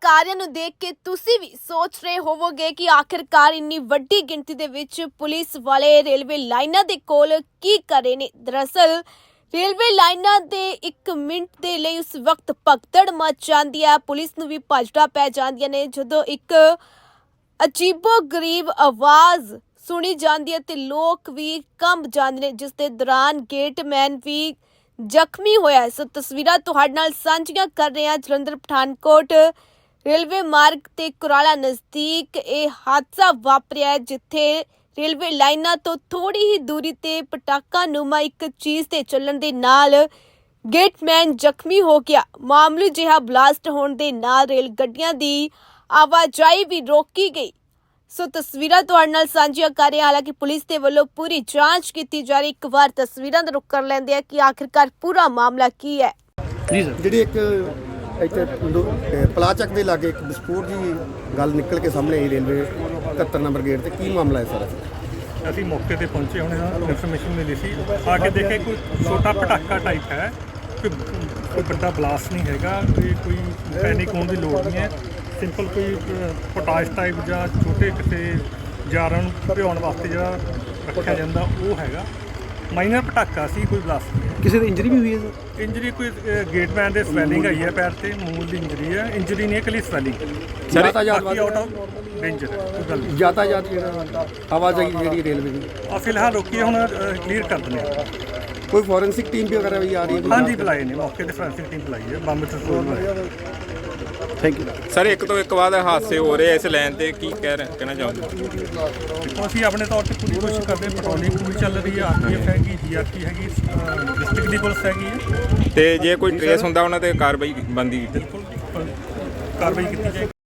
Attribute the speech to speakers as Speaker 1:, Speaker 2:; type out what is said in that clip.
Speaker 1: ਸਾਰਿਆਂ ਨੂੰ ਦੇਖ ਕੇ ਤੁਸੀਂ ਵੀ ਸੋਚ ਰਹੇ ਹੋਵੋਗੇ ਕਿ ਆਖਿਰਕਾਰ ਇੰਨੀ ਵੱਡੀ ਗਿਣਤੀ ਦੇ ਵਿੱਚ ਪੁਲਿਸ ਵਾਲੇ ਰੇਲਵੇ ਲਾਈਨਾਂ ਦੇ ਕੋਲ ਕੀ ਕਰ ਰਹੇ ਨੇ। ਦਰਅਸਲ ਰੇਲਵੇ ਲਾਈਨਾਂ ਦੇ 1 ਮਿੰਟ ਦੇ ਲਈ ਉਸ ਵਕਤ ਭਗਦੜ ਮਚ ਜਾਂਦੀ ਹੈ, ਪੁਲਿਸ ਨੂੰ ਵੀ ਭੱਜੜਾ ਪੈ ਜਾਂਦੀਆਂ ਨੇ ਜਦੋਂ ਇੱਕ ਅਜੀਬੋ ਗਰੀਬ ਆਵਾਜ਼ ਸੁਣੀ ਜਾਂਦੀ ਹੈ ਤੇ ਲੋਕ ਵੀ ਕੰਬ ਜਾਂਦੇ ਨੇ, ਜਿਸ ਦੇ ਦੌਰਾਨ ਗੇਟਮੈਨ ਵੀ ਜ਼ਖਮੀ ਹੋਇਆ ਹੈ। ਸੋ ਤਸਵੀਰਾਂ ਤੁਹਾਡੇ ਨਾਲ ਸਾਂਝੀਆਂ ਕਰ ਰਹੇ ਹਾਂ। ਜਲੰਧਰ ਪਠਾਨਕੋਟ ਰੇਲਵੇ ਮਾਰਗ ਤੇ ਕੁਰਾਲਾ ਨਜ਼ਦੀਕ ਇਹ ਹਾਦਸਾ ਵਾਪਰਿਆ ਹੈ, ਜਿੱਥੇ ਰੇਲਵੇ ਲਾਈਨਾਂ ਤੋਂ ਥੋੜੀ ਹੀ ਦੂਰੀ ਤੇ ਪਟਾਕਾ ਨੂਮਾ ਇੱਕ ਚੀਜ਼ ਤੇ ਚੱਲਣ ਦੇ ਨਾਲ ਗੇਟਮੈਨ ਜ਼ਖਮੀ ਹੋ ਗਿਆ। ਮਾਮੂਲੀ ਜਿਹਾ ਬਲਾਸਟ ਹੋਣ ਦੇ ਨਾਲ ਰੇਲ ਗੱਡੀਆਂ ਦੀ ਆਵਾਜਾਈ ਵੀ ਰੋਕੀ ਗਈ। ਸੋ ਤਸਵੀਰਾਂ ਤੁਹਾਡੇ ਨਾਲ ਸਾਂਝੀਆਂ ਕਰ ਰਹੇ ਹਾਂ। ਹਾਲਾਂਕਿ ਪੁਲਿਸ ਦੇ ਵੱਲੋਂ ਪੂਰੀ ਜਾਂਚ ਕੀਤੀ ਜਾ ਰਹੀ। ਇੱਕ ਵਾਰ ਤਸਵੀਰਾਂ ਦਾ ਰੁੱਖ ਕਰ ਲੈਂਦੇ ਆ ਕਿ ਆਖਿਰਕਾਰ ਪੂਰਾ ਮਾਮਲਾ ਕੀ ਹੈ।
Speaker 2: ਜੀ ਸਰ, ਜਿਹੜੀ ਇੱਕ ਇੱਥੇ ਪਲਾਚਕ ਦੇ ਲਾਗੇ ਇੱਕ ਵਿਸਫੋਟ ਦੀ ਗੱਲ ਨਿਕਲ ਕੇ ਸਾਹਮਣੇ ਆਈ ਰੇਲਵੇ 71 ਨੰਬਰ ਗੇਟ ਤੇ, ਕੀ ਮਾਮਲਾ ਹੈ ਸਰ?
Speaker 3: ਅਸੀਂ ਮੌਕੇ ਤੇ ਪਹੁੰਚੇ, ਹੁਣ ਇਨਫੋਰਮੇਸ਼ਨ ਮਿਲੀ ਸੀ, ਆ ਕੇ ਦੇਖੇ ਕੋਈ ਛੋਟਾ ਪਟਾਕਾ ਟਾਈਪ ਹੈ, ਕੋਈ ਵੱਡਾ ਬਲਾਸਟ ਨਹੀਂ ਹੈਗਾ, ਕੋਈ ਪੈਨਿਕ ਹੋਣ ਦੀ ਲੋੜ ਨਹੀਂ ਹੈ। ਸਿੰਪਲ ਕੋਈ ਪੋਟਾਸ਼ ਟਾਈਪ ਜਾਂ ਛੋਟੇ ਕਿਸੇ ਜਾਰਾਂ ਨੂੰ ਭਿਉਣ ਵਾਸਤੇ ਜਿਹੜਾ ਰੱਖਿਆ ਜਾਂਦਾ ਉਹ ਹੈਗਾ। ਮਾਈਨਰ ਪਟਾਕਾ ਸੀ, ਕੋਈ ਬਲਾਸਟ ਨਹੀਂ ਹੈ।
Speaker 2: ਕਿਸੇ ਦੀ ਇੰਜਰੀ ਵੀ ਹੋਈ ਹੈ ਸਰ?
Speaker 3: ਇੰਜਰੀ ਕੋਈ ਗੇਟਮੈਨ ਦੇ ਸਵੈਲਿੰਗ ਆਈ ਹੈ ਪੈਰ ਤੇ, ਮੂਲ ਦੀ ਇੰਜਰੀ ਹੈ। ਇੰਜਰੀ ਨਹੀਂ ਹੈ, ਇਕੱਲੀ ਸਵੈਲਿੰਗ।
Speaker 2: ਯਾਤਾਯਾਤ
Speaker 3: ਆਊਟ ਆਫ ਡੇਂਜਰ ਕੋਈ ਗੱਲ ਨਹੀਂ।
Speaker 2: ਯਾਤਾਯਾਤ ਜਿਹੜਾ ਆਵਾਜਾਈ ਜਿਹੜੀ ਰੇਲਵੇ ਦੀ
Speaker 3: ਫਿਲਹਾਲ ਰੋਕੀ, ਹੁਣ ਕਲੀਅਰ ਕਰ ਦਿੰਦੇ ਹਾਂ।
Speaker 2: ਕੋਈ ਫੋਰੈਂਸਿਕ ਟੀਮ ਵਗੈਰਾ ਵੀ ਆ ਰਹੀ ਹੈ?
Speaker 3: ਹਾਂਜੀ ਬੁਲਾਏ ਨੇ, ਮੌਕੇ ਤੇ ਫੋਰੈਂਸਿਕ ਟੀਮ ਬੁਲਾਈ ਹੈ, ਬੰਬ ਟਰੋਲ।
Speaker 2: Thank you
Speaker 4: sir. ਇੱਕ ਤੋਂ ਇੱਕ ਬਾਅਦ ਹਾਦਸੇ ਹੋ ਰਹੇ ਇਸ ਲਾਈਨ ਤੇ, ਕੀ ਕਹਿਣਾ ਚਾਹੁੰਦੇ?
Speaker 3: ਦੇਖੋ, ਅਸੀਂ ਆਪਣੇ ਤੌਰ ਤੇ ਪੂਰੀ ਕੋਸ਼ਿਸ਼ ਕਰਦੇ ਹਾਂ। ਪੈਟਰੋਲਿੰਗ ਪੂਰੀ ਚੱਲ ਰਹੀ ਹੈ, ਆਰਪੀਐਫ ਹੈਗੀ, ਜੀਆਰਪੀ ਹੈਗੀ, ਡਿਸਟ੍ਰਿਕਟ ਦੀ ਪੁਲਿਸ ਹੈਗੀ ਹੈ,
Speaker 4: ਤੇ ਜੇ ਕੋਈ ਟ੍ਰੇਸ ਹੁੰਦਾ ਉਹਨਾਂ ਤੇ ਕਾਰਵਾਈ ਬਣਦੀ?
Speaker 3: ਬਿਲਕੁਲ ਕਾਰਵਾਈ ਕੀਤੀ ਜਾਏਗੀ।